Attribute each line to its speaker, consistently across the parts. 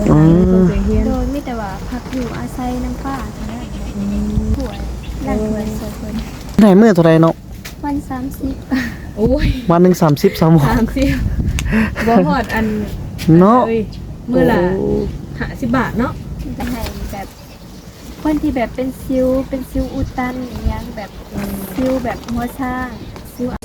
Speaker 1: หาเงินส่งเสียงเฮียน
Speaker 2: โดยมีแต่ว่าพักอยู่อาศัยน้ำป้าเท่านั้นป่วยร่างกายสวยเพิ่น
Speaker 3: ไหนมื้อเท่าใดเนาะ
Speaker 2: วัน30
Speaker 1: โอ้ย
Speaker 3: วันหนึง30 3มื้อ
Speaker 1: 30บ่ฮอดอัน
Speaker 3: เนาะ
Speaker 1: อ้ยมื้อละ50 บาทเนาะ
Speaker 2: จะให้แบบคนที่แบบเป็นซิวอุดตันอย่างเงี้ยแบบซิวแบบหัวช้างซิว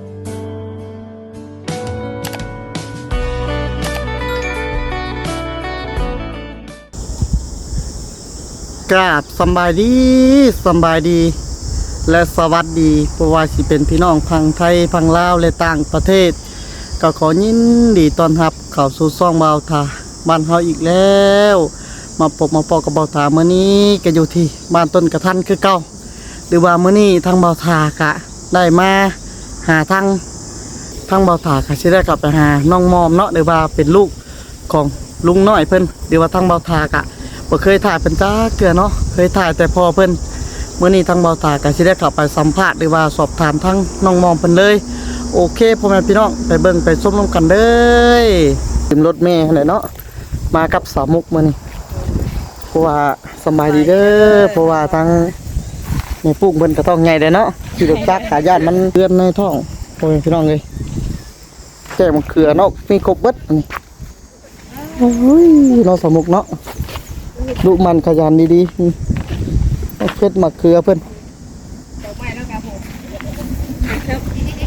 Speaker 3: กราบสำบายดีสำบายดี และสวัสดีเพราะว่าสิเป็นพี่น้องพังไทยพังลาวและต่างประเทศ ก็ขอยินดีต้อนรับเข้าสู่ซ่องเบาทาบ้านเฮาอีกแล้ว มาพบมาปอกับเบาทามื้อนี้ก็อยู่ที่บ้านต้นกระทันคือเก่าหรือว่ามื้อนี้ทางเบาทากะได้มาหาทางเบาทากะสิได้กลับไปหาน้องมอมเนาะหรือว่าเป็นลูกของลุงน้อยเพิ่นหรือว่าทางเบาทากะบ่เคยถ่ายเป็นจ้าเกลือเนาะเคยถ่ายแต่พอเพิ่นมื้อนี้ทางเบาทากะสิได้กลับไปสัมภาษณ์หรือว่าสอบถามทางน้องมอมเพิ่นเลยโอเคพ่อแม่พี่น้องไปเบิ่งไปชมร่วมกันเด้อขึ้นรถแม่หั่นแหละเนาะมากับสาวมุกมื้อนี้เพราะว่าสำบายดีเด้อเพราะว่าทางแม่ปุ้งเพิ่นก็ต้องใหญ่เด้อเนาะขี่รถจักรขาญาติมันเลือนในท้องพ่อแม่พี่น้องเอ้ยแก้มะเขือเนาะมีครบเบิดอันนี้โอ้ยเราสาวมุกเนาะลูกมันขยันดีๆเอาเพชรมะเขือเพิ่น
Speaker 1: ดอกไม้แล้วครับผมครับ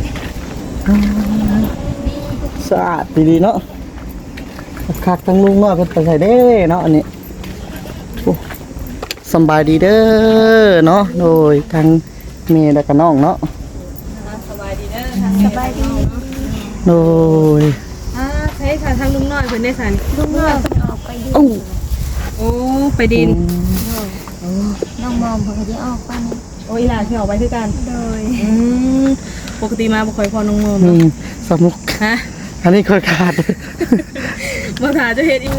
Speaker 3: สะอาดดีๆเนาะคักทั้งลุงน้อยเพิ่นไปใส่เด้เนาะอันนี้โอ้สำบายดีเด้อเนาะโดยทางแม่และก็น้องเนาะ
Speaker 1: สบายดีเด้อทาง
Speaker 2: สบายดี
Speaker 3: โดย
Speaker 1: ใช้ทางลุงน้อยเพิ่นได้สัน
Speaker 2: ลุงน้อยเพิ่นออกไปดิน
Speaker 3: โอ้
Speaker 1: โอ้ไปดิน
Speaker 2: น้องมอมเพิ่นก็สิออกไปนี่
Speaker 1: โอ้ยหลานที่ออกไปคือกัน
Speaker 2: โดย
Speaker 1: ปกติมาบ่ค่อยพอน้องโมม
Speaker 3: นี่
Speaker 1: เนาะ
Speaker 3: สมุก
Speaker 1: ฮะ
Speaker 3: อันนี้ค่อยขาด
Speaker 1: บ่ถาจะเฮ็ด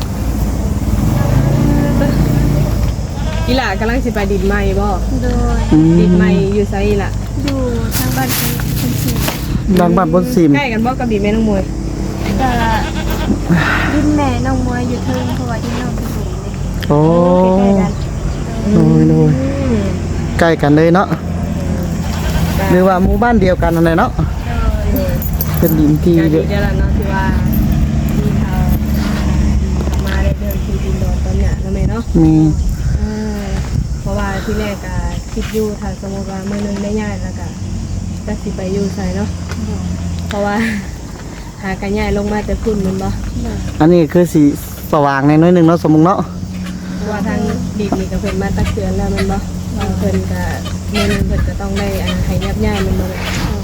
Speaker 1: อีหล่ากำลังสิไปดินใหม่บ่
Speaker 2: โดย
Speaker 1: ดินใหม่อยู่ไสอีหล่ะ
Speaker 2: อยู่ทางบ้านคุณสิ
Speaker 3: ดังบ้านบนซิม
Speaker 1: ใกล้กันบ่กับดินแม่น้องมวย
Speaker 2: ก็ดินแม่น้องมวยอยู่เทิงเพราะว่าดินน้องเป็นหลุมเลย
Speaker 3: โอ้
Speaker 1: ใกล้ๆกัน
Speaker 3: โดยใกล้กันเลยเนาะหรือว่าหมู่บ้านเดียวกันอะไรเนาะเป็นดินที่
Speaker 1: ก็
Speaker 3: เย
Speaker 1: ดี
Speaker 3: อะ
Speaker 1: เดี๋ยวล่ะเนาะที่ว่าที่เขามาได้เดินที่ดินดอนตอนเนี้ยแล้วแม่เนาะ
Speaker 3: มี
Speaker 1: เพราะว่าที่แรกก็คิดอยู่ถ้าสมมติว่ามื้อนึงได้ย้ายแล้วก็จะสิไปอยู่ไสเนาะเพราะว่าหากันย้ายลงมาแต่พุ่นแมันบ่
Speaker 3: อันนี้คือสีสว่างในน้อยหนึ่งเนาะสมมุติเนาะ
Speaker 1: เพราะว่าทางดินนี่ก็เพิ่นมาตักเตือนแล้วแมันบ่ว่าเพิ่นก็มื้อนึงเพิ่นก็ต้องได้ให้ยับย้ายแมันบ่ล่ะ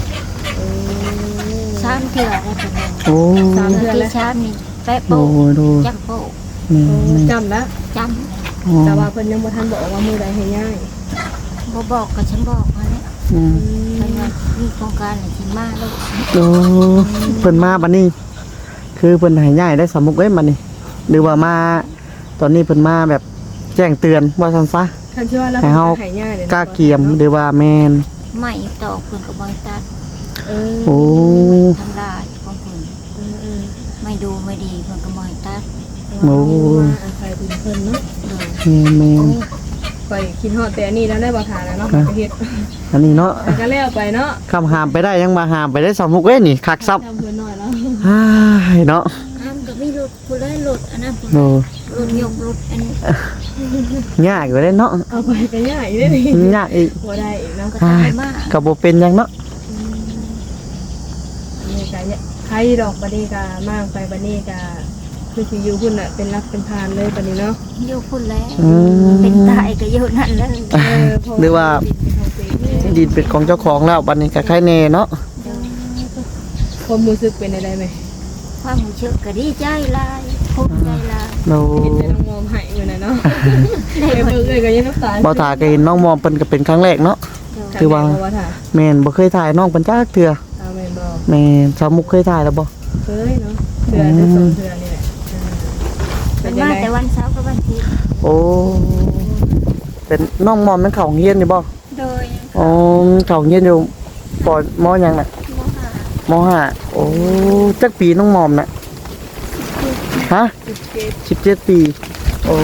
Speaker 2: ชามเถื่อแล้วถึง
Speaker 3: โอ้
Speaker 1: สามเดือน
Speaker 2: ที่
Speaker 1: แล้ว
Speaker 2: ชามนี่แป๊ะ
Speaker 3: โด
Speaker 2: โป๊ะ
Speaker 3: ยโดย
Speaker 2: จักโป๊ะ
Speaker 1: จำแล้ว
Speaker 2: จ
Speaker 3: อ๋อ
Speaker 1: แต่ว่าเพิ่นยังบ่ทันบอกว่ามื้อใดให้ย้าย
Speaker 2: ำบ่บอกก็ฉันบอกมาแล้ว
Speaker 3: อืม
Speaker 2: เพิ่นว่ามีโครงการอะไรสิมาแล้ว
Speaker 3: โอ้เพิ่นมาบัดนี้ คือเพิ่นให้ย้ายได้สามมุกเอ้ยบัดนี้ หรือว่ามาตอนนี้เพิ่นมาแบบแจ้งเตือนว่าซั่นซะ
Speaker 1: คันสิว่าแล้ว
Speaker 3: ให้เฮา
Speaker 1: ให้ย้ายเลย
Speaker 3: กล้าเกียมหรือว่าแม่น
Speaker 2: ไม่ตอกเพิ่นก็บ่ให้ตัด
Speaker 1: เออ
Speaker 3: โอ้
Speaker 2: ทำลายของเพิ่น
Speaker 1: เออ
Speaker 2: ไม่ดูไม่ดีเพิ่นก็บ่ให้ตัด
Speaker 3: โอ้
Speaker 1: มาอาศัยดินเพิ่นเนาะ
Speaker 2: โดย
Speaker 3: แม่น
Speaker 1: ไปคิดฮอดแต่อันนี้แล้วได้บ่ทานแล้วเนาะไปเฮ็ด
Speaker 3: อันนี้เนาะ
Speaker 1: แต่ก็แล้วไปเนาะ
Speaker 3: คำหามไปได้ยังมาหามไปได้สามมุกเอ้ยนี่คักซับ
Speaker 1: ทำเพิ่นหน่อยแล้ว
Speaker 3: อ้ายเนาะ
Speaker 2: อ้ามก็มีรถผู้ใดรถอันนั้นผู้
Speaker 3: โด
Speaker 2: รถยกรถอันนี้
Speaker 3: ยากอยู่ได้เนาะ
Speaker 1: เอาไปก็ยากอีกเด้นี่
Speaker 3: ยากอีก
Speaker 1: บ่ได้อีกเนาะ
Speaker 2: ก็ตายมาก
Speaker 3: ก็บ่เป็นหยังเนาะ
Speaker 1: นี่ก็ใครดอกบัดนี้ก็มากไปบัดนี้ก็คือสิอยู่พุ่นน่ะเป็นรักเป็นพานเลยบัดนี้เนาะ
Speaker 2: อยู่พุ่นแล้ว
Speaker 3: อืม
Speaker 2: เป็นตายก็อยู่นั่นแล้ว
Speaker 3: หรือว่า ดินเป็นของเจ้าของแล้วบัดนี้ก็ใครแน่เนาะ
Speaker 1: ความรู้สึกเป็นได้ไหม
Speaker 2: ความรู้สึกก็ดีใจหลายภูมิใจหลาย
Speaker 3: โด
Speaker 1: เห็นแต่น้องมอมให้อยู่น่ะเนาะเอ้ยเบิ่งเอ้ยก็ยังน้ำตา
Speaker 3: บ่ทาก็เห็นน้องมอมเพิ่นก็เป็นครั้งแรกเนาะ คือว่า
Speaker 1: ถ่า
Speaker 3: แม่นบ่เคยถ่ายน้องเพิ่นจักเทื่อ
Speaker 1: ตาแม่นบ่
Speaker 3: แม่นสาวมุกเคยถ่ายแล้วบ่
Speaker 1: เคยเนาะเทื่อจะสองเทื่อนี่แหละเป็
Speaker 2: เป็น น
Speaker 1: จัง
Speaker 2: มา
Speaker 1: ได๋
Speaker 2: แต่วันเสาร์กับวันอาทิตย์
Speaker 3: โอ้เป็นน้องมอมมันเข้าโรงเรียนนี่บ่
Speaker 2: โดย
Speaker 3: อ๋อเข้าโรงเรียนอยู่ปมหยังน่ะ
Speaker 2: มหาม
Speaker 3: ห้าโอ้จักปีน้องมอมน่ะฮะ 17 ปีโอ้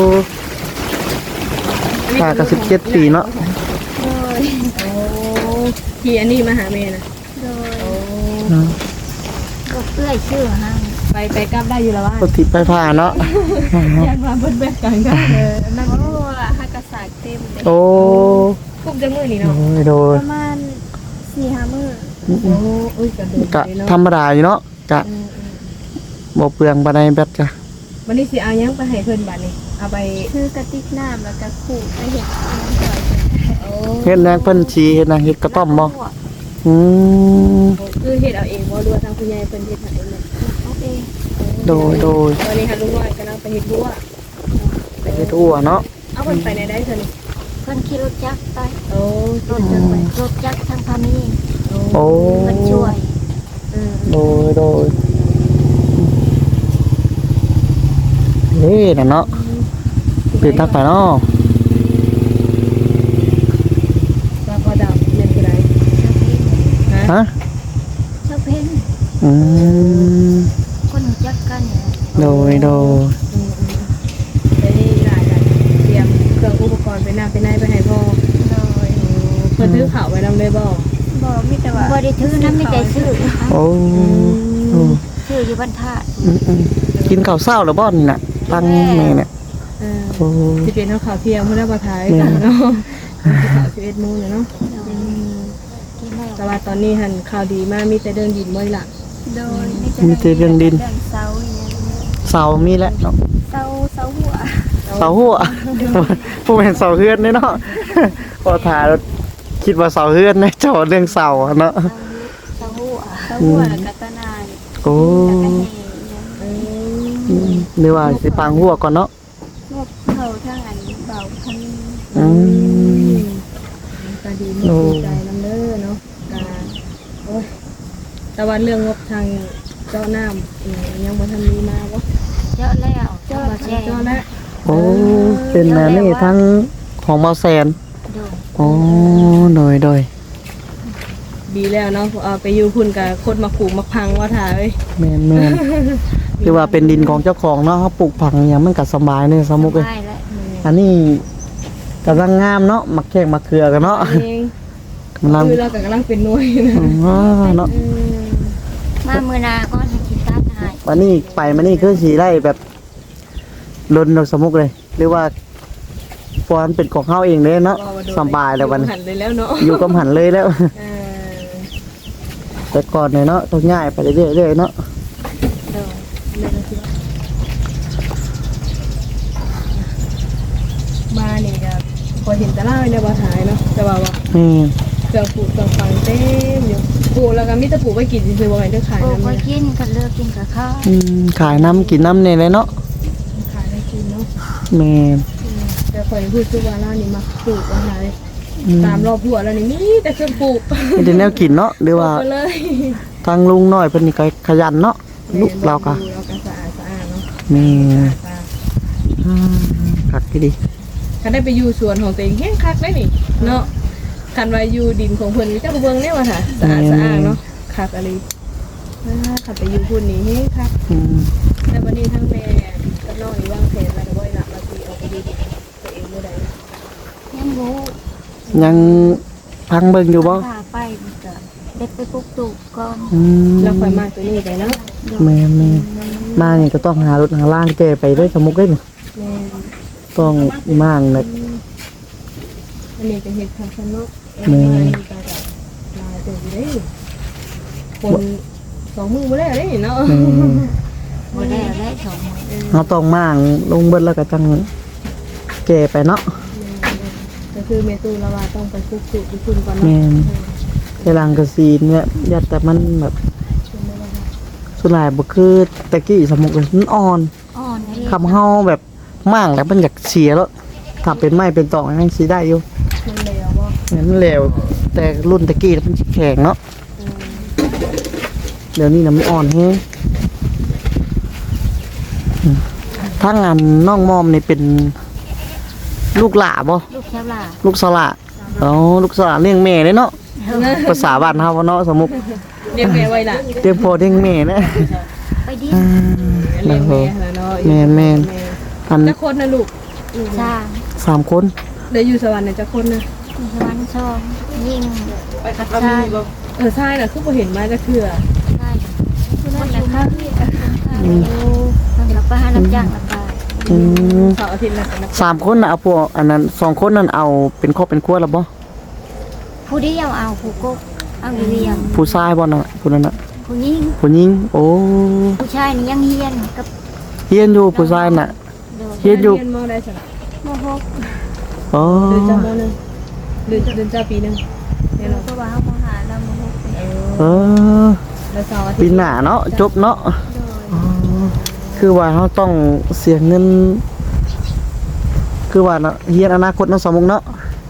Speaker 3: ป้าก็17 ปีเนาะ
Speaker 2: โดย
Speaker 1: โอ้ที่อันนี้มาหาแม่นะ
Speaker 2: โดย
Speaker 1: โอ้
Speaker 2: ก็เอื้อยชื่อห้าง
Speaker 1: ไปกลับได้อยู่แล้วว่า
Speaker 3: ปกติไปผ่าเนาะ
Speaker 1: ยันมาเบิ้ลแบกกันก็นั่ง
Speaker 2: โอ้ฮักกระสากเต็มเลย
Speaker 3: โอ้
Speaker 1: คุ้มจังมือนี่
Speaker 3: โด
Speaker 1: เนาะ
Speaker 3: ยโดย
Speaker 2: ประมาณ4-5 มื้อ
Speaker 1: โอ้อุ้ยกระโดด
Speaker 3: กะ
Speaker 1: เลยเนาะ
Speaker 3: ธรรมดาอยู่เนาะกะบ่เปลืองปานใดแบตกะ
Speaker 1: วันนี้สิเอายังไปให้เพิ่นบัดนี้เอาไป
Speaker 2: คือกระติกน้ำแล้วก็ขู่ไปเห็ดน้ำใส่
Speaker 1: โอ้
Speaker 3: เฮ็ดแนงเพิ่นชี้เฮ็ดนางเฮ็ดกระต้อมบ่อืม
Speaker 1: คือเฮ็ดเอาเองบ่รู้ว่าทางคุณยายเพิ่นเฮ็ดให้แม่
Speaker 2: เอาเอง
Speaker 3: โดย
Speaker 1: วันนี้ค่ะลุงน้อยกำลังไปเฮ็ดบัว
Speaker 3: ไปเฮ็ดอั่วเนาะ
Speaker 1: เอาเพิ่นไปไหนได้เพิ่นนี่
Speaker 2: เพิ่นขี่รถจักรไป
Speaker 1: โอ้
Speaker 2: รถจักรไปรถจักรทางพามี
Speaker 3: โอ้
Speaker 2: เพิ่นช่วย
Speaker 3: โดยนี่น่ะเนาะปิดทักไปเนาะ
Speaker 1: ว่าพอดำนั่นคือไรฮะ
Speaker 3: ฮะ
Speaker 2: เจ้าเพ่น
Speaker 3: อืม
Speaker 2: คนรู้จักกันเนี่ย
Speaker 3: โดย
Speaker 1: เดี๋ยวนี้หลายกันเตรียมเครื่องอุปกรณ์ไปหน้าไปไหนไปให้พ่อ
Speaker 2: โดย
Speaker 1: เพิ่นซื้อข้าวไว้นำเลยบ่
Speaker 2: บ่มีแต่ว่าบ่ได้ถือน้ำมีแต่ซื้อ
Speaker 3: โอ้โอ้
Speaker 2: ซื้ออยู่บ้านธาตุ
Speaker 3: อืมกินข้าวเช้าแล้วบ่นี่น่ะตั้งแม่เนี่ย
Speaker 1: เออ
Speaker 3: โอ้
Speaker 1: สิเป็นข้าวเที่ยงมื้อละบ่ทายกันเนาะข้าว11:00 นเนาะ
Speaker 2: กินได้
Speaker 1: แต่ว่าตอนนี้หันข่าวดีมากมีแต่เดินดินบ่ล่ะ
Speaker 2: โดย
Speaker 3: มีแต่เรื่องดิน
Speaker 2: เรื่องเสาอย่างเงี้ย
Speaker 3: เสามีแล้วเนาะ
Speaker 2: เสาหัว
Speaker 3: เสาหัวผู้เป็นเสาเฮือนเนี่ยเนาะพอถ่ายแล้วคิดว่าเสาเฮือนเนี่ยเจ้าเรื่องเสาอะเนาะ
Speaker 2: เสาหัวกัตนา
Speaker 3: โอ้
Speaker 2: กัตเฮ
Speaker 3: หรือว่าสิปังหัวก่อนเนาะ
Speaker 2: งบเขาทางอันเบาพัน
Speaker 3: อืม
Speaker 1: ก็ดีมากดีใจนำเด้อเนาะโอ้ยแต่ว่าเรื่องงบทางเจ้าน้ำยังบ่ทันมีมาบ่
Speaker 2: เจาะแล้วเจาะ
Speaker 1: มา
Speaker 2: แจ้
Speaker 1: เจ้าแล้ว
Speaker 3: โอ้เป็นแนวนี่ทั้งของเมาแซน
Speaker 2: ดู
Speaker 3: โอ้โดย
Speaker 1: ดีแล้วเนาะเอาไปอยู่พุ่นกับคนมาขู่มาพังว่าถ่ายเอ้ย
Speaker 3: แม่นคือว่าเป็นดินของเจ้าของเนาะเขาปลูกผักอย่างมันก็สบายเนี่ยสมุกเลย
Speaker 2: ได้แล้ว
Speaker 3: อันนี้กำลังงามเนาะมักแข้งมักเขือกันเนาะ
Speaker 1: เอง
Speaker 3: กำลัง
Speaker 1: คือเรากำลังเป็นหน่วยนะ
Speaker 3: เนาะ
Speaker 2: มามือนาก็ให้กินตาหาย
Speaker 3: วันนี้ไปมานี่คือสีไร่แบบลนดอกสมุกเลย หรือว่าฟอนเป็นของเขาเองเลยเนาะสบายแล้ววัน
Speaker 1: หันเลยแล้วเนาะ
Speaker 3: อยู่กับหันเลยแล้ว
Speaker 1: เออ
Speaker 3: แต่ก่อนเนี่ยเนาะต้องง่ายไปเรื่อยๆเนาะ
Speaker 2: ดู
Speaker 1: มานี่ก็พอเห็นตะล่าเนี่ยบ่ถ่ายเนาะแต่ว่า
Speaker 3: นี่
Speaker 1: เครื่องปลูกเครื่องฟังเต็มอยู่ปลูกแล้วก็มีแต่ปลูกไว้กินซื่อๆบ่ให้ได้ขาย
Speaker 2: โอ้
Speaker 1: นำ
Speaker 2: ก็
Speaker 1: เนี่ย
Speaker 2: กินกันเลิกกินกับข้าว
Speaker 3: ขายน้ำกินน้ำเนี่ยเลยเนาะ
Speaker 1: ขายได้กินเนาะ
Speaker 3: แม่
Speaker 1: แต่ข่อยพูดคือว่าร้านนี้มักปลูกว่าถ่ายตามรอบหัวแล้วนี่มีแต่เครื่องปลูก
Speaker 3: ไม่ได้แนวกินเนาะหรือว่า
Speaker 1: ปลูกไปเลย
Speaker 3: ทางลุงน้อยเพิ่นนี่ก็ขยันเนาะลูกเราก็
Speaker 1: เราก็สะอาดเนาะ
Speaker 3: นี่
Speaker 1: สะอาด
Speaker 3: คักดี
Speaker 1: คันได้ไปอยู่สวนของตัวเองแห้งคักได้นี่เนาะคันว่าอยู่ดินของเพิ่นมีแต่เบิ่งเนี่ยว่าค่ะสะอาดเนาะคักอะไรคันไปอยู่พุ่นนี่แห้งคัก แต่วันนี้ทั้งแม่กับน้องนี่วางแผนแล้วก็บ่อยหลับมาสิเอาไปดูตัวเองเมื่อใด
Speaker 2: ยังรู้
Speaker 3: ยังพังเบิ่งอยู่บ่
Speaker 2: พาไปมันก็เด็กไปปลุกตุกก่อน
Speaker 1: แล้วค่อยมาตัวนี้ไปเนาะ
Speaker 3: แม่มานี่ก็ต้องหารถหาล่างแกไปด้วยสมุกเด้นี่
Speaker 1: แม่
Speaker 3: ต้องมั่างนะ
Speaker 1: อันนี้เป็นเห็ดคาสโนกอันนี้ก็จะลายตัวอยู่ได้คนสองมือมาแล้วได้เนาะ
Speaker 2: บ่ได้ได้สองมื้อ
Speaker 3: เราต้องมั่างลงเบิดแล้วก็จังแกไปเนาะ
Speaker 1: ก็คือเมตูละว่าต้องไปคุกจุดคุณก่อน
Speaker 3: แม่
Speaker 1: เนาะ
Speaker 3: น แต่หลังกระซีนเนี่ยยัดแต่มันแบบสุดหลายบ่คือตะกี้สมุกเลยมันอ่อน
Speaker 2: อ่อนให้
Speaker 3: คำเฮาแบบมั่างแล้วมันอยากเสียแล้วถ้าเป็นไม้เป็นตอกยังสิได้อยู่
Speaker 1: มันเลวบ่
Speaker 3: เนี่ยมันแล้วแต่รุ่นตะกี้มันสิแข็งเนาะเดี๋ยวนี้น่ะมันอ่อนแฮงถ้างานน้องมอมนี่เป็นลูกหล่าบ่
Speaker 2: ลูกแคบล่ะ
Speaker 3: ลูกสละอ๋อลูกสละเลี้ยงแม่เลยเนาะภาษาบ้านเฮาเนาะสมุก
Speaker 1: เรียกแม่ไว้ล่ะ
Speaker 3: เตรียมพอเลี้ยงแม่นะ
Speaker 2: ไปดิ
Speaker 3: โด
Speaker 1: ลี้ยงแม่หั่นน่ะเนาะ
Speaker 3: แม่นอัน
Speaker 1: จักคนนะลูก
Speaker 2: สร้าง
Speaker 3: 3 คน
Speaker 1: ได้อยู่สวรรค์น่ะจักคนนะ
Speaker 2: สวรรค์ช่องยิ่ง
Speaker 1: ไปคัดเอามีบ่ใช่น่ะคือบ่เห็นมาจักเทื่อ
Speaker 2: ใช่คุณนั่นแหละครับแล้วก็หาน้ำย่างละบาท
Speaker 3: อืม
Speaker 1: เสาร์อาทิตย์น่ะก็นัก
Speaker 3: 3 คนน่ะเอาพวกอันนั้น2 คนนั้นเอาเป็นครอบเป็นครัวแล้วบ่
Speaker 2: ผู้เดียวเอาผู้กกเอาอยู่เรียง
Speaker 3: ผู้ชายบ่น่ะผู้นั้นน่ะ
Speaker 2: ผู้ยิ่ง
Speaker 3: ผู้หญิงโอ้
Speaker 2: ผู้ชายนี่ยังเฮียนกับ
Speaker 3: เฮียนอยู่ผู้ชายน่ะ
Speaker 2: โดย
Speaker 3: เฮียนอยู่
Speaker 1: เรียนมอได้ซั่น
Speaker 2: โมหก
Speaker 3: อ๋อ
Speaker 1: เดือนจ้ามอนึงเดือนจ้าปีนึงแน่น
Speaker 2: เรา
Speaker 1: อน
Speaker 2: ก็ว่าเขาโมหาเราโมหกเป็น
Speaker 3: เออ
Speaker 1: แล้วเสาร์อาทิตย์
Speaker 3: ปีหน้าเนาะจบเนาะ
Speaker 2: โดย
Speaker 3: อ๋อคือว่าเราต้องเสียเงิน คือว่าเนาะเฮียนอนาคตเนาะสมมุติเนาะ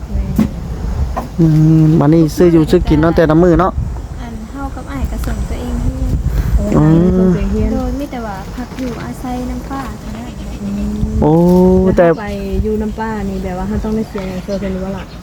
Speaker 3: บัดนี้ซื้ออยู่ซื้อกินเนาะแต่ละมื้อเนาะ
Speaker 2: อันเฮากับอ้ายก็ส่งตัวเองเฮียน
Speaker 3: อืม
Speaker 1: เฮียน
Speaker 2: โดยมีแต่ว่าพักอยู่อาศัยน้ำป้าเท่านั้น
Speaker 3: โอ้
Speaker 1: แต่
Speaker 3: แต่
Speaker 1: ไปอยู่น้ำป้านี่แบบว่าเขาต้องได้เสียอย่างเซอร์เซนว่าล่ะ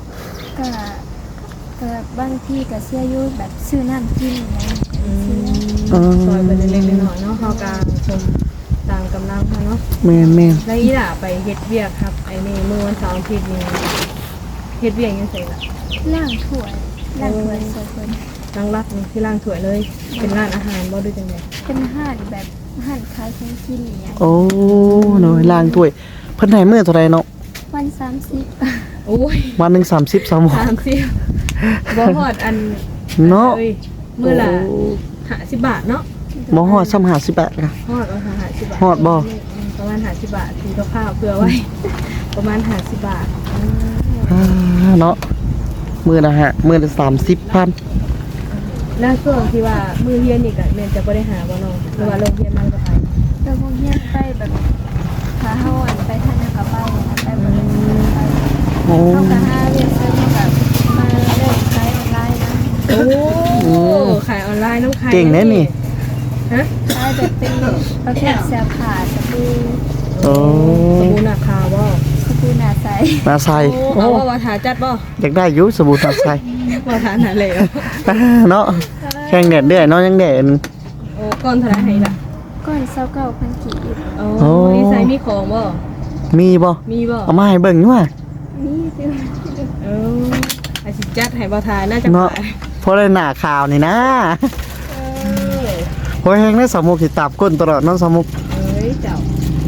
Speaker 2: ก็บางที่ก็เสียอยู่แบบซื้อน้ำกินอะไรเสีย
Speaker 1: ซอยไปเล็กๆน้อยๆเนาะเขากลางชมต่างกำลังค่ะเนาะ
Speaker 3: แม่น
Speaker 1: แล้วอีหล่าไปเฮ็ดเวียกครับไอ้นี่เมื่อวันเสาร์อาทิตย์นี่เฮ็ดเวียกยังไงล่ะ
Speaker 2: ล่างถ้วยล่างถ้วยสวยคน
Speaker 1: ล้างรักนี่ที่ล้างถ้วยเลย เป็นร้านอาหารบ่ด้วยจังได๋
Speaker 2: เป็นห่านแบบห่านขายของกินอย่างเงี้ย
Speaker 3: ๆโอ้เนาะล้างถ้วยเพิ่นให้มื้อเท่าไหร่เนาะ
Speaker 2: วัน30
Speaker 1: โอ้ย
Speaker 3: วันหนึง30 3มื้อ
Speaker 1: 30บ่ฮอดอัน
Speaker 3: เนาะ
Speaker 1: อ้ยมื้อละ50 บาทเนาะ
Speaker 3: บ่ฮอด50 บาทค่ะ
Speaker 1: ฮอดเอา50 บาท
Speaker 3: ฮอดบ่
Speaker 1: ประมาณ50 บาทซื้อกับข้าวเผื่อไว้ ประมาณ50 บาท
Speaker 3: เนาะมื้อละมื้อละ30,000
Speaker 1: แล้วช่วงที่ว่ามือเรียนนี่ก็แม่นจะบ่ได้หาบ่น้องหรือว่าโรงเรียนมันก็ไป
Speaker 2: แล้วพวกเฮียนไปแบบขาเฮาอันไปทานนะคะไปไปบ่ได้ไป
Speaker 3: โอ้
Speaker 2: เข้ากับหาเรียนเสริมแบบมาเริ่มขายออนไลน์นะ
Speaker 1: โอ้ขายออนไลน์น้ำขาย
Speaker 3: เก่งแน่นี่
Speaker 1: ฮะ
Speaker 2: ขายแบบเป็นประเภทเสื้อผ้าสบู่
Speaker 3: โอ้
Speaker 1: สบู่หนักคาบ่
Speaker 2: สบู่หน้าใส
Speaker 3: นาใส่
Speaker 1: โอ้เอาว่าถาจัดบ่
Speaker 3: อยากได้อยู่สบู่นาใส่
Speaker 1: ว่าถาหนาเลย
Speaker 3: เนาะแข่งแดดเด้อเนาะยังแดด
Speaker 1: โอ้ก้อนเท่าไหร่ให้ล่ะ
Speaker 2: ก้อน29,000กีบ
Speaker 1: โอ้นี่ใส่มีของบ่
Speaker 3: มีบ่
Speaker 1: มีบ่
Speaker 3: เอามาให้เบิ่งอยู่ว่า
Speaker 2: นี่คือ
Speaker 1: เออไอ้สิจัดให้บ่ทาน่าจะ
Speaker 3: เนาะ
Speaker 1: ขาย
Speaker 3: เพราะได้หน้าข่าวนี่นะ
Speaker 1: เออ
Speaker 3: โอ้ยแฮงได้สมุกสิตาบก้นตลอดเนาะสมุก
Speaker 1: เอ้ยเจ้า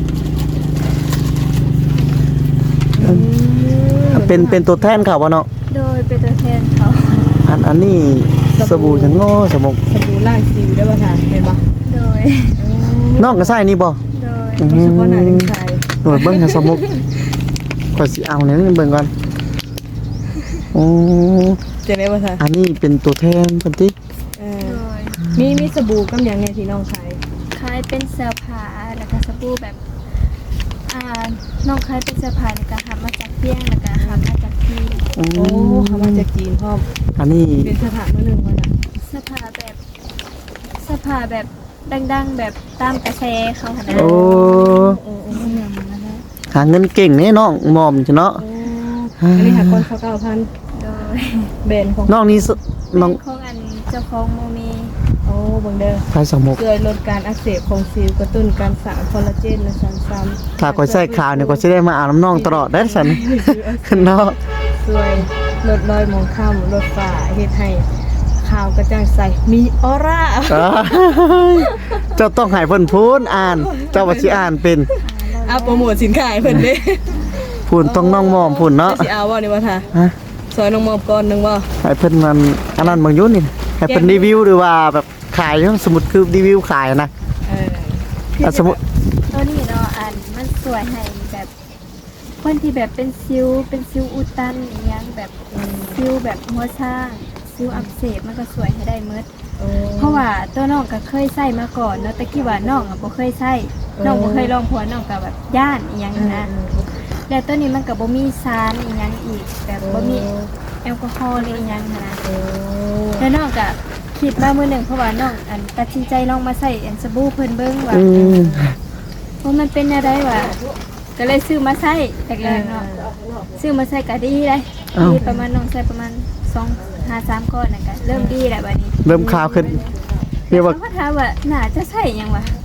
Speaker 3: เป็นตัวแทนเขาบ่เนาะ
Speaker 2: โดยเป็นตัวแทนเขา
Speaker 3: อันนี้สบู่จังโง่สมุก
Speaker 1: สบู่ล้างสิวได้บ่ทาเห็นบ่
Speaker 2: โดย
Speaker 3: น้องก็ใส่นี่บ่
Speaker 2: โดย
Speaker 3: อื
Speaker 1: เฉพาะหน้าถึงใส่
Speaker 3: หน่วยเบิ่งให้สมุกก่อนสิเอาเนี่ยเบิ่งก่อนโอ้
Speaker 1: จะได้บ่ทา
Speaker 3: อันนี้เป็นตัวแทนเพิ่นติ
Speaker 1: เออ
Speaker 2: โดย
Speaker 1: มีสบู่กำยังไงที่น้องขาย
Speaker 2: ขายเป็นเสื้อผ้าแล้วก็สบู่แบบน้องขายเป็นเสื้อผ้าแล้วก็หามาจากเพียงแล้วก็หามาจากที่
Speaker 3: โอ้
Speaker 1: โอ้เขามาจากจีนพร้อม
Speaker 3: อันนี้
Speaker 1: เป็นสถานมื้อหนึงว่าน่ะ
Speaker 2: เสื้อผ้าแบบดังๆแบบตามกระแสเขาค่ะนะ
Speaker 3: โอ้
Speaker 1: โอ้
Speaker 3: หาเงินเก่งนี่น้องหมอมจ้ะเนาะ
Speaker 1: อันนี้หาคนเขา9,000
Speaker 2: โดย
Speaker 1: แบรนด์ของ
Speaker 3: น้องนี่น้อง
Speaker 2: ของอันเจ้าของโมเม
Speaker 1: โอ้เบิ่งเด้อ
Speaker 3: ไผสมุก
Speaker 1: ช่วยลดการอักเสบของสิวกระตุ้นการสร้างคอลลาเจนและสารซ้ำ
Speaker 3: ถ้าก็ใส่ข่าวเนี่ยก็สิได้มาอาบน้ำน้องตลอดได้สัน เนาะ
Speaker 1: ช่วยลดรอยหมองคล้ำลดฝ้าเฮ็ดให้ขาวกระจ่างใสมีออร่า
Speaker 3: เจ้าต้องให้เพิ่นพูนอ่าน เจ้าว่าสิอ่านเป็น
Speaker 1: เอาโปรโมทสินค้าให้เพิ่นเด้
Speaker 3: พูนต้องน้องมอมพูนเนาะ
Speaker 1: สิเอาบ่นี่ว่าท่า
Speaker 3: ฮะ
Speaker 1: ซอยน้องมอบก่อนหนึงบ่
Speaker 3: ให้เพิ่นมันอันนั้นบางอยุ่นนี่ให้เพิ่นรีวิวหรือว่าแบบขายสมมุติคือรีวิวขายนะ
Speaker 1: เออ
Speaker 3: อ่ะสมมุติ
Speaker 2: ตัวนี้เนาะอันมันสวยให้แบบคนที่แบบเป็นซิวอุดตันอหยังแบบซิวแบบหัวช้างซิวอักเสบมันก็สวยให้ได้หมด
Speaker 1: โอ้
Speaker 2: เพราะว่าตัวน้องก็เคยใส่มาก่อนเนาะแต่กี้ว่าน้องอ่ะบ่เคยใส่น้องบ่เคยลองผัวน้องก็แบบย่านอีหยังนะแล้วตัวนี้มันก็บ่มีสารอีหยังอีกแบบบ่มีแอลกอฮอล์หรืออีหยังหั้นนะ
Speaker 1: โอ้
Speaker 2: แล้วน้องก็คิดมามื้อหนึงเพราะว่าน้องอันตัดสินใจลองมาใส่อันสบู่เพิ่นเบิ่งว่า
Speaker 3: อืม
Speaker 2: ว่ามันเป็นอะไรวะก็เลยซื้อมาใส่แรกๆเนาะซื้อมาใส่ก็ดีเลยดีประมาณน้องใส่ประมาณ2-3 ก้อนน่ะก็เริ่มดีแล้วบัดนี้
Speaker 3: เริ่มข่าวขึ้นเรียกว่า
Speaker 2: เขาถามว่าน่าจะใส่หยังวะ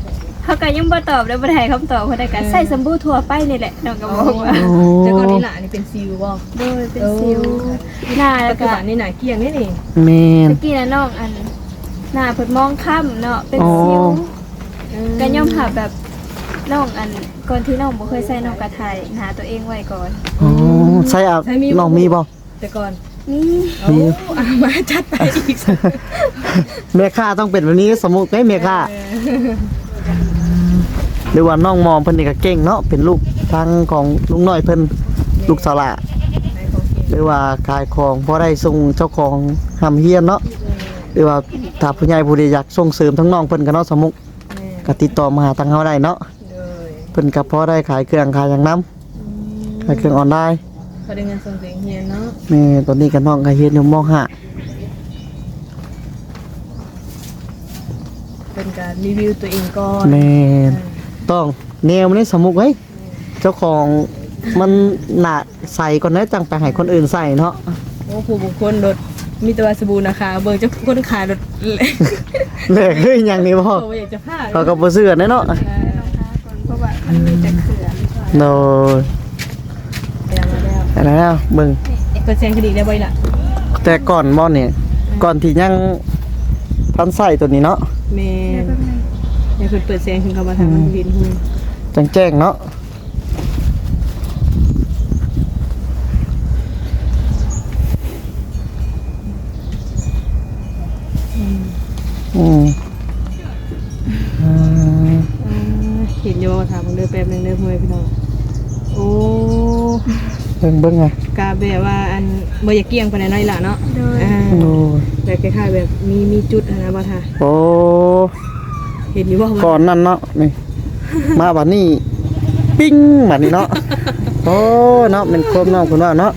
Speaker 2: เขาก็ยังบ่ตอบแล้วบ่ได้ให้คำตอบเพิ่นได้ก็ใส่สบู่ทั่วไปนี่แหละน้องก็บอกว่า
Speaker 1: แต่ก่อนนี่หล่ะนี่เป็นซิลบ่
Speaker 2: โดยเป็นสิวหน้า
Speaker 1: ปั
Speaker 2: แล้
Speaker 1: จ
Speaker 2: ว
Speaker 1: จุ
Speaker 2: ก็
Speaker 1: บันนี่หนาเกลี้ยงนี่นี่
Speaker 3: แม่น
Speaker 2: ตะกี้น่ะน้องอันหน้าเพิ่นมองค่ำเนาะเป็น
Speaker 3: อ๋อ
Speaker 2: สิวก็ย่อมหาแบบน้องอันก่อนที่น้องบ่เคยใส่น้องกระไทยหาตัวเองไว้ก่อน
Speaker 3: อ๋อใช่อ่ะน้องมีบ่
Speaker 1: แต่ก่อน
Speaker 2: นี่
Speaker 1: โอ้เอามาจัดไปอีก
Speaker 3: แม่ค้าต้องเป็นแบบนี้สมมุติแม่ค้าหรือว่าน้องมอมเพิ่นนี่ก็เก่งเนาะเป็นลูกทางของลุงน้อยเพิ่นลูกสาวละ
Speaker 1: ในของเกม
Speaker 3: หรือว่าขายของพอได้ส่งเจ้าของหำเฮียนเนาะหรือว่าถ้าผู้ใหญ่ผู้ใดอยากส่งเสริมทั้งน้องเพิ่นก็เนาะสมมุติ
Speaker 1: แม่
Speaker 3: ก็ติดต่อมาหาทางเฮาได้เนาะ
Speaker 1: เลย
Speaker 3: เพิ่นก็พอได้ขายเครื่องขายหยังนำขายเครื่องออนไลน์
Speaker 1: พอได้เงินส่งเสียงเฮียนเนาะ
Speaker 3: แม่ตอนนี้ก็น้องก็เฮ็ดอยู่ม .5
Speaker 1: เป็นการรีวิวตัวเองก่อน
Speaker 3: แม่นต้องแนวมันนี่สมมุติเฮ้ยเจ้าของมันหนาใส่ก่อนนะจังไปให้คนอื่นใส่เนาะ
Speaker 1: โอ้ผู้บุคคลรถมีแตัวาสบู่นะคะเบิ่งเจ้าคนขายรถเลย
Speaker 3: แลกเฮ้ยหยังนี่บ่
Speaker 1: โอ้อยากจะพลาด
Speaker 3: เขาก็บ่เชื่อแน่เนาะ
Speaker 2: รองเท้าก่อนเพราะว่ามันมีแต่เขื่อน
Speaker 3: โดย
Speaker 1: แล้วมาแล้ว
Speaker 3: แล้วเบิ่ง
Speaker 1: เปอร์เซ็นต์คดีได้บ่อยล่ะ
Speaker 3: แต่ก่อนบ่เนี่ยก่อนที่ยังทันใส่ตัวนี้เนาะ
Speaker 1: แม่เดี๋ยวเพิ่นเปิดเสียงถึงเขามาทำมันบินหุ่น
Speaker 3: จังแจ้งเนาะอืมอ่า
Speaker 1: เห็นอยู่ว่าถามมึงเด้อแป๊บนึงเด้อพ่อแม่พี่น้องโอ้
Speaker 3: เบิ่งไง
Speaker 1: กาแบบว่าอันบ่อยากเกี่ยงปานใดน้อยล่ะเนาะ
Speaker 2: โดย
Speaker 1: อ่า
Speaker 3: โอ้ย
Speaker 1: แบบคล้ายๆแบบมีจุดอะนะบ่ท่า
Speaker 3: โอ้
Speaker 1: เห็นอยู่บ่
Speaker 3: ก่อนนั้นเนาะนี่ มาบัดนี้ ปิ้งบัดนี้เนาะโอ้เนาะเป็นความน้องคุณว่าเนาะ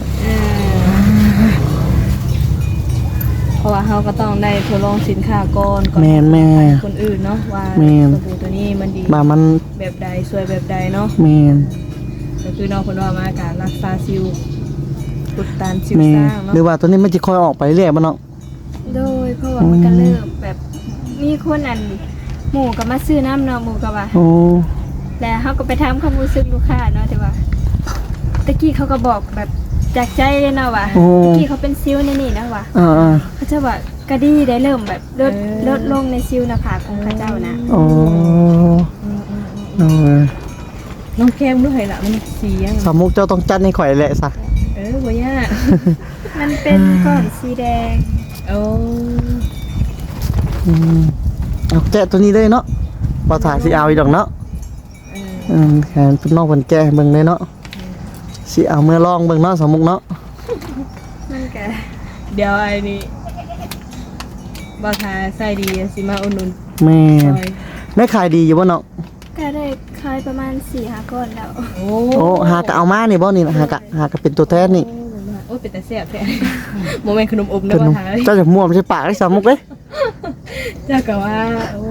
Speaker 1: เพราะว่าเฮาก็ต้องได้ทดลองสินค้าก่อน
Speaker 3: แม่นแม่
Speaker 1: ให้คนอื่นเนาะว่า
Speaker 3: แม่น
Speaker 1: สบู่ตัวนี้มันดี
Speaker 3: บ่ามัน
Speaker 1: แบบใดสวยแบบใดเนาะ
Speaker 3: แม่น
Speaker 1: ก็คือน้องเพิ่นว่ามาการรักษาสิวอุดตันสิว
Speaker 3: แม่
Speaker 1: สร้าง
Speaker 3: ห
Speaker 1: เนาะ
Speaker 3: รือว่าตัวนี้มันจะค่อยออกไปเรื่อยบ่เนาะ
Speaker 2: โดยเพราะว่ามันก็เริ่มแบบมีคนอันหมู่ก็มาซื้อน้ำเนาะหมู่ก็ว่า
Speaker 3: โอ้
Speaker 2: แล้วเขาก็ไปถามความรู้สึกลูกค้าเนาะแต่ว่าตะกี้เขาก็บอกแบบจากใจเลยเนาะว่า
Speaker 3: โอ้
Speaker 2: ตะกี้เขาเป็นซิวในนี่นะว่า
Speaker 3: อ่า
Speaker 2: เขาจะว่าก็ดีได้เริ่มแบบลดลงในซิวหน้าผากของเขาเจ้านะ
Speaker 3: โอ้โอ้ย
Speaker 1: น้องแก้มด้วยล่ะมันเสียง
Speaker 3: สามมุกเจ้าต้องจัดให้ข่อยแหละซะ
Speaker 1: บ่ยาก
Speaker 2: มันเป็นก้อนสีแดง
Speaker 1: โอ้
Speaker 3: อืมเอาแกะตัวนี้เลยเนาะบ่ถ่ายสิเอาอีดอกเนาะแขนเป็นน้องเพิ่นแกะให้เบิ่งเลยเนาะสิเอาเมื่อลองเบิ่งเนาะสามมุกเนาะ
Speaker 2: มันก็
Speaker 1: เดี๋ยวไอ้นี่บ่ทาใส่ดีสิมาอุ่นนุน
Speaker 3: แม่
Speaker 1: ซ
Speaker 3: น
Speaker 1: อย
Speaker 3: ได้ขายดีอยู่บ่เนาะ
Speaker 2: ก็ได้ขายประมาณ 4-5 ก้อนแล้ว
Speaker 1: โอ้
Speaker 3: โอ้หากะเอามานี่บ่นี่นะหากะเป็นตัวแทนนี่
Speaker 1: โอ้เป็นแต่แซ่บแท้โมเมนต์ขนมอบ
Speaker 3: ข
Speaker 1: เด้อน บ่
Speaker 3: ม
Speaker 1: ทาเลย
Speaker 3: เจ้าจะม่วมใช่ปากได้สามมุกเด้
Speaker 1: เจ้าก็ว่าโอ้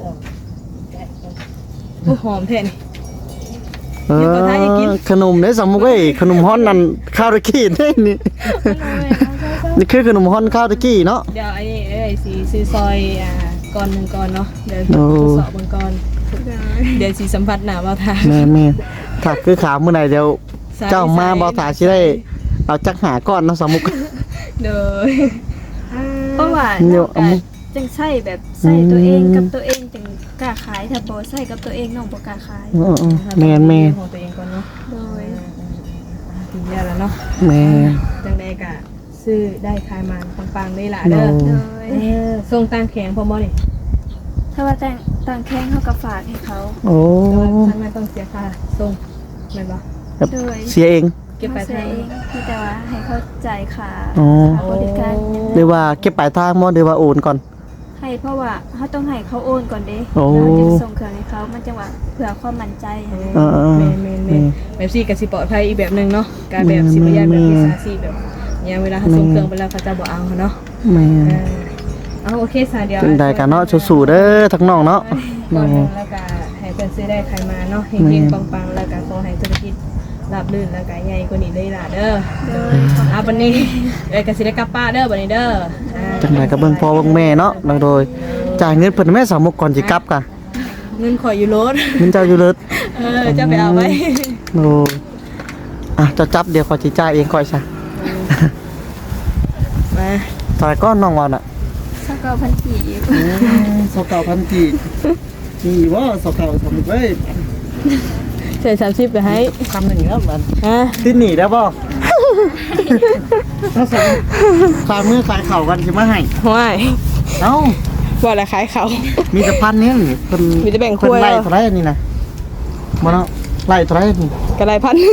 Speaker 1: โอ้หอมแท้นี่
Speaker 3: เอ
Speaker 1: เดี๋ยวก่อนนะอย่ากิน
Speaker 3: ขนมเด้สามมุกเอ้ยขนมฮ้อนนั่นข้าวตะกี้เด้นี่ นี่คือขนมฮ้อนข้าวตะกี้เนาะ
Speaker 1: เดี๋ยวไอ้นี่สีซื้อซอยก่อนหนึ่งก่อนเนาะเดี๋ยว
Speaker 3: โอ้
Speaker 1: ทดสอบบางก่อนเดี๋ยวสีสัมผัสหนาบ่ทา
Speaker 3: แม่ถ้าคือขาวมื้อไหนเดี๋ยวเจ้ามาบ่ตาสิได้เอาจักหาก้อนเนาะสามมุก
Speaker 1: เด้อ
Speaker 2: เพราะว่า
Speaker 3: เดี๋
Speaker 2: น้
Speaker 3: ย
Speaker 2: อ
Speaker 3: ว
Speaker 2: ง
Speaker 3: เอา
Speaker 2: ก็
Speaker 3: มา
Speaker 2: จังใส่แบบใส่ตัวเองกับตัวเองจังกล้าขายถ้าบ่ใส่กับตัวเองน้องบ่กล้าขาย
Speaker 3: แม่น
Speaker 1: ของตัวเองก่อนเนาะ
Speaker 2: โดย
Speaker 1: ถึงแล้วเนาะ
Speaker 3: แม่
Speaker 1: จังใดกะซื้อได้ขายมันปังๆได้ล่ะ
Speaker 3: โด
Speaker 1: เด้อ
Speaker 2: โดย
Speaker 1: ส่งตามแขงพอบ่นี่
Speaker 2: ถ้าว่าต่างแข้งเขาก็ฝากให้เขา
Speaker 3: โอ้
Speaker 1: แต่ว่าท่านไม่ต้องเสียค่าส่งแม่นบ่
Speaker 3: แบบ
Speaker 2: โดย
Speaker 3: เสียเอง
Speaker 1: เก็บไป
Speaker 2: เขา
Speaker 1: ทาง
Speaker 2: เองมีแต่ว่าให้เขาจ่ายค่า
Speaker 3: อ๋อ
Speaker 2: ค่าบริการ
Speaker 3: หรือว่าเก็บปลายทางบ่หรือว่าโอนก่อน
Speaker 2: ให้เพราะว่าเขาต้องให้เขาโอนก่อนเด้
Speaker 3: โอ้
Speaker 2: แล้วจึงส่งเครื่องให้เขามันจังหวะเผื่อความมั่นใจ
Speaker 3: เออ
Speaker 1: แม่นแบบซี่ก็สิปลอดภัยอีกแบบนึงเนาะการแบบสิบ่ยานแบบพิซซ่าซี่แบบอย่างเวลาเขาส่งเครื่องไปแล้วเขาจะบ่เอาเนาะ
Speaker 3: แม่
Speaker 1: เอาโอเคสาเดียว
Speaker 3: จังใดกันเนาะสู้ๆเด้อทั้งน้องเนาะ
Speaker 1: ก่อนหนึ่งแล้วก็ให้เพิ่นซื้อได้ใครมาเนาะเฮงๆปังๆแล้วก็ขอให้ธุรกิจราบรื่นแล้วก็ใหญ่กว่านี้ได้ล่ะเด้อ
Speaker 2: โดยของ
Speaker 1: เอาบัดนี้ก็สิได้กลับป้านเด้อบัดนี้เด้อ
Speaker 3: จังใดก็เบิ่งพ่อเบิ่งแม่เนาะโดยจ่ายเงินเพิ่นแม่สามมุกก่อนสิกลับกะ
Speaker 1: เงินข่อยอยู่รถ
Speaker 3: มันเจ้าอยู่เลิศ
Speaker 1: เจ้าไปเอาไว้
Speaker 3: โอ้อ่ะจะจับเดี๋ยวขอจิจ่ายเองก่อยซะ
Speaker 1: มา
Speaker 3: ตายก้อนน้องวอนอ่ะ
Speaker 2: สักก็พันกี่
Speaker 3: สกาวพันกี่นี่ว่าสกาวทำไว้
Speaker 1: ใส่30ไปให้
Speaker 3: ทำอย่างนี้ครับมัน
Speaker 1: ฮะ
Speaker 3: ที่หนีได้ป่ะถ้าสมขายมือขายเข่ากันใช่ไหมให้
Speaker 1: ห้วย
Speaker 3: เอ้า
Speaker 1: ว่าละขายเขา
Speaker 3: มีแต่พันนี้นี่เพิ่น
Speaker 1: มีแต่แบ่ง
Speaker 3: เพิ่น
Speaker 1: ถ้วย
Speaker 3: ไล่เท่าไหรอันนี้นะมาเนาะไล่เท่าไหรนี่
Speaker 1: กระไรพัน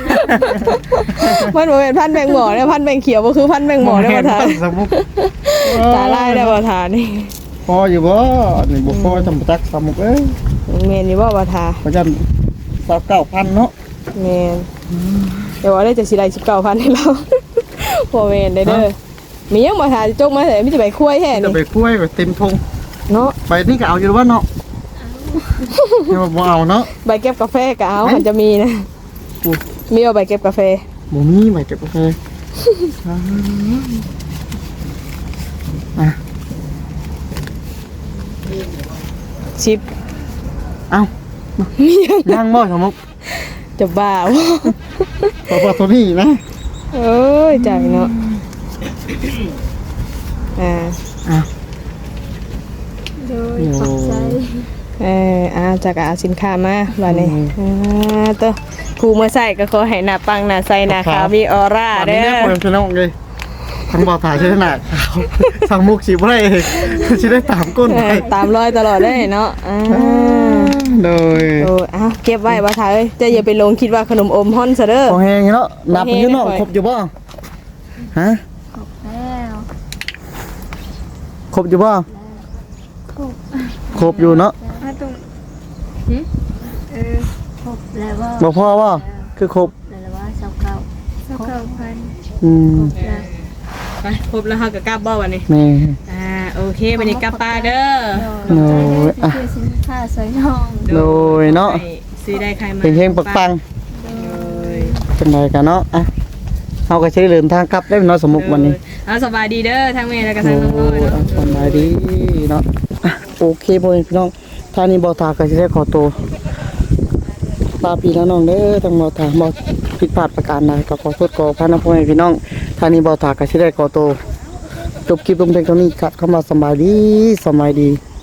Speaker 1: พันบ่เป็นพันแบ่งหมอเนี่ยพันแบ่งเขียวบ่คือพันแบ่งหมอได้บ่ทาน
Speaker 3: สมมุติ
Speaker 1: ตาลายได้บ่ทานนี่
Speaker 3: พออยู่บ่นี่บ่พอทำจักสมุกเอ้ย
Speaker 1: แม่นอยู่บ่บ่ทา
Speaker 3: เพราะฉะนั้น29,000เนาะ
Speaker 1: แม่นแต่ว่าได้จะสิได้19,000ให้เรา บ่แม่นได้เด้อมียังบ่ทาจกมาแต่มีแต่ใบคุ้ยแท้
Speaker 3: จะ
Speaker 1: นี่
Speaker 3: ไปคุ้ยไปเต็มทง
Speaker 1: เนาะ
Speaker 3: ไปนี่ก็เอาอยู่ว่าเนาะเดี๋ยวบ่เอาเนาะ
Speaker 1: ใบเก็บกาแฟก็เอามันจะมีนะ
Speaker 3: อุ๊ย
Speaker 1: มีเอาใบเก็บกาแฟ
Speaker 3: บ่มีไปเก็บกาแฟอ่ะ
Speaker 1: ชิป
Speaker 3: เอ้าย่างบ่สมุก
Speaker 1: จะบ้าบ่
Speaker 3: พอตัวนี้นะ
Speaker 1: เอ้ยใจเนาะอ่า
Speaker 3: อ่ะ
Speaker 2: โดยขอบใจ
Speaker 1: จากเอาสินค้ามาบัดนี้ตัวผู้มาใส่ก็ขอให้หน้าปังหน้าใสหน้าขาวมีออร่า
Speaker 3: อัน
Speaker 1: เด้
Speaker 3: นี้
Speaker 1: อ
Speaker 3: เนี่ยคนพี่น้องเลยทั้งบ่อถ่ายใช่ไหมน่ะสั่งมุกสิบ่ได้สิได้ตามก้นไป
Speaker 1: ตามรอยตลอดได้เนาะ
Speaker 3: โดย
Speaker 1: โอ้เก็บไว้บ่ถ่ายเอ้ยจะอย่าไปลงคิดว่าขนมอมฮ้อนซะเด้อ
Speaker 3: พอแห้งเนาะนับไปอยู่เนาะครบอยู่บ่ฮะ
Speaker 2: ขอบแล้ว
Speaker 3: ครบอยู่บ่
Speaker 2: ขอบ
Speaker 3: ครบอยู่เนาะ
Speaker 2: ตรงครบแล้วว่า
Speaker 3: บ่พอบ่คือครบ
Speaker 2: แล้วว่า29,000
Speaker 3: อืม
Speaker 2: แล้ว
Speaker 1: ไปครบแล้วเฮาก็กลับบ่วันนี้
Speaker 3: แม่
Speaker 1: โอเควันนี้กลับป้าเด้อ
Speaker 2: โดยคือสินค้าสวยน้อง
Speaker 3: โดยเนาะ
Speaker 1: ซื้อได้ใครมา
Speaker 3: เฮงๆปัง
Speaker 1: โดย
Speaker 3: ๆจังไดกันเนาะอ่ะเฮาก็สิได้เดินทางกลับได้เนาะสมมุติวันนี้
Speaker 1: สบายดีเด้อทั้งแม่และก็ทั้งน้องๆเนาะ
Speaker 3: สบายดีเนาะอ่ะโอเคพ่อแม่พี่น้องท่านี้บ่ทาก็สิได้ขอตัวลาพี่น้องเด้อทั้งบ่ทาบ่ผิดพลาดประการใดก็ขอโทษขออภัยนะพ่อแม่พี่น้องท่านี้บ่ทาก็สิได้ขอตัวจบคลิปลงเพียงเท่านี้ครับคำว่าสบายดี